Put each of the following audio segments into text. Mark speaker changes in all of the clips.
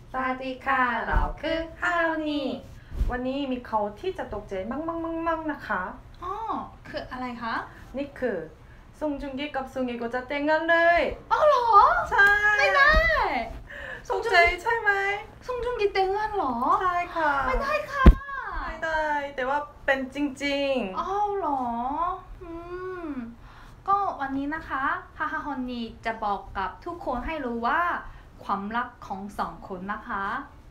Speaker 1: สวัสดีค่ะเราคือฮารุนีวันนี้มีเขาที่จะตกใจมั่งนะคะ
Speaker 2: อ๋อคืออะไรคะ
Speaker 1: นี่คือซุงจุงกีกับซุงเอโกจะแต่งงานเลย
Speaker 2: อ๋อเหรอ
Speaker 1: ใช่
Speaker 2: ไม่ได้
Speaker 1: ตกใจใช่ไหม
Speaker 2: ซุงจุงกีแต่งงานเหรอ
Speaker 1: ใช่ค่ะ
Speaker 2: ไม่ได้ค่ะ
Speaker 1: ไม่ได้แต่ว่าเป็นจริง
Speaker 2: อ๋อเหรอมก็วันนี้นะคะฮาฮาฮอนนีจะบอกกับทุกคนให้รู้ว่าความรักของสองคนนะคะ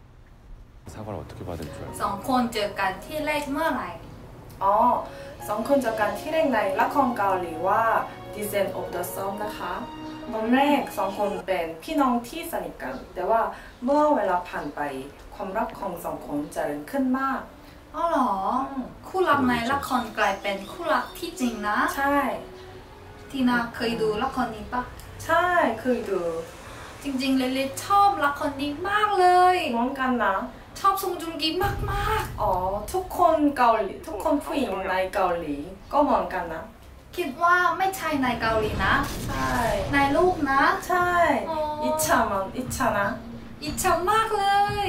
Speaker 2: สองคนเจอกันที่แรกเมื่อไหร่
Speaker 1: อ๋อสองคนเจอกันที่แรกในละครเกาหลีว่า Descent of the Sun นะคะตอนแรกสองคนเป็นพี่น้องที่สนิทกันแต่ว่าเมื่อเวลาผ่านไปความรักของสองคนเจริญขึ้นมาก
Speaker 2: อ๋อเหรอคู่รักในละครกลายเป็นคู่รักที่จริงนะ
Speaker 1: ใช่
Speaker 2: ทีน่าเคยดูละครนี้ปะ
Speaker 1: ใช่เคยดู
Speaker 2: จริงๆเลยชอบละครนี้มากเลย
Speaker 1: เหมือนกันนะ
Speaker 2: ชอบซงจุงกีมาก
Speaker 1: ๆอ๋อทุกคนเกาหลีทุกคนผู้หญิงในเกาหลีก็เหมือนกันนะ
Speaker 2: คิดว่าไม่ใช่ในเกาหลีนะ
Speaker 1: ใช่
Speaker 2: ในลูกนะ
Speaker 1: ใช่อิจฉามันอิจฉานะ
Speaker 2: อิจฉามากเลย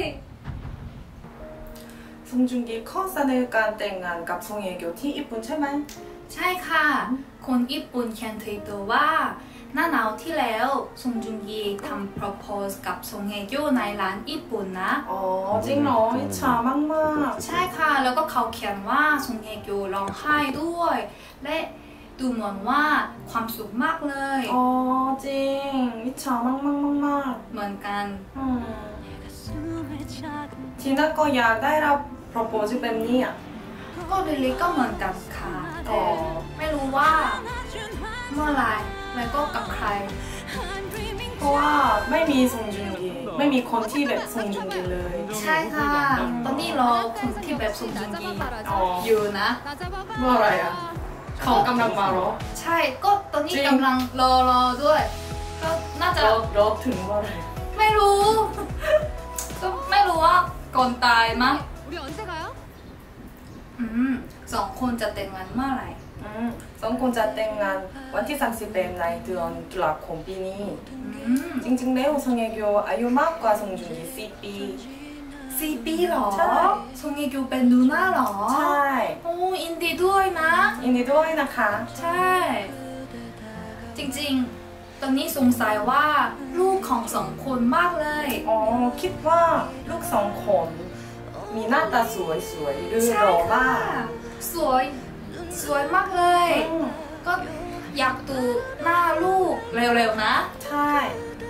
Speaker 1: ซงจุงกีขอเสนอการแต่งงานกับซงเฮกยวที่ญี่ปุ่นใช่ไหม
Speaker 2: ใช่ค่ะคนญี่ปุ่นเขียนทวิตเตอร์ว่าหน้าหนาวที่แล้วซงจุงกีทำ propose กับซงเฮกยวในร้านญี่ปุ่นนะ
Speaker 1: อ๋อจริงเหรออิจฉามาก
Speaker 2: ใช่ค่ะแล้วก็เขาเขียนว่าซงเฮกยวร้องไห้ด้วยและดูเหมือนว่าความสุขมากเลย
Speaker 1: อ๋อจริงอิจฉามาก
Speaker 2: เหมือนกัน
Speaker 1: ทีน่าก็อยากได้รับ propose แบบนี้อ่ะ
Speaker 2: ก็ลิลิก็เหมือนกันค่ะแต่ไม่รู้ว่าเมื่อไรแล้วก็กับใคร
Speaker 1: เพราะว่าไม่มีซงจุงกีไม่มีคนที่แบบซงจุงกีเลย
Speaker 2: ใช่ค่ะตอนนี้รอคนที่แบบซงจุงกีอยู่นะ
Speaker 1: เมื่อไรอ่ะเขากำลังมาหรอ
Speaker 2: ใช่ก็ตอนนี้กำลังรอด้วยก็น่าจะ
Speaker 1: รอถึงเมื่อไร
Speaker 2: ไม่รู้ก็ไม่รู้ว่าก่อนตายมั้งสองคนจะแต่งงานเมื่อไหร่
Speaker 1: สองคนจะแต่งงานวันที่31ในเดือนตุลาคมปีนี้จริงๆแล้วซงเฮกยวอายุมากกว่าซงจุงกี4 ปี
Speaker 2: 4 ปีหรอใช่ซงเฮกยวเป็นดูน่าหรอ
Speaker 1: ใช่
Speaker 2: โอ้ยินดีด้วยนะ
Speaker 1: ยินดีด้วยนะคะ
Speaker 2: ใช่จริงๆตอนนี้สงสัยว่าลูกของสองคนมากเลย
Speaker 1: อ๋อคิดว่าลูกสองคนมีหน้าตาสวยหรือหล่อมาก
Speaker 2: สวยมากเลยก็อยากดูหน้าลูกเร็วๆนะ
Speaker 1: ใช่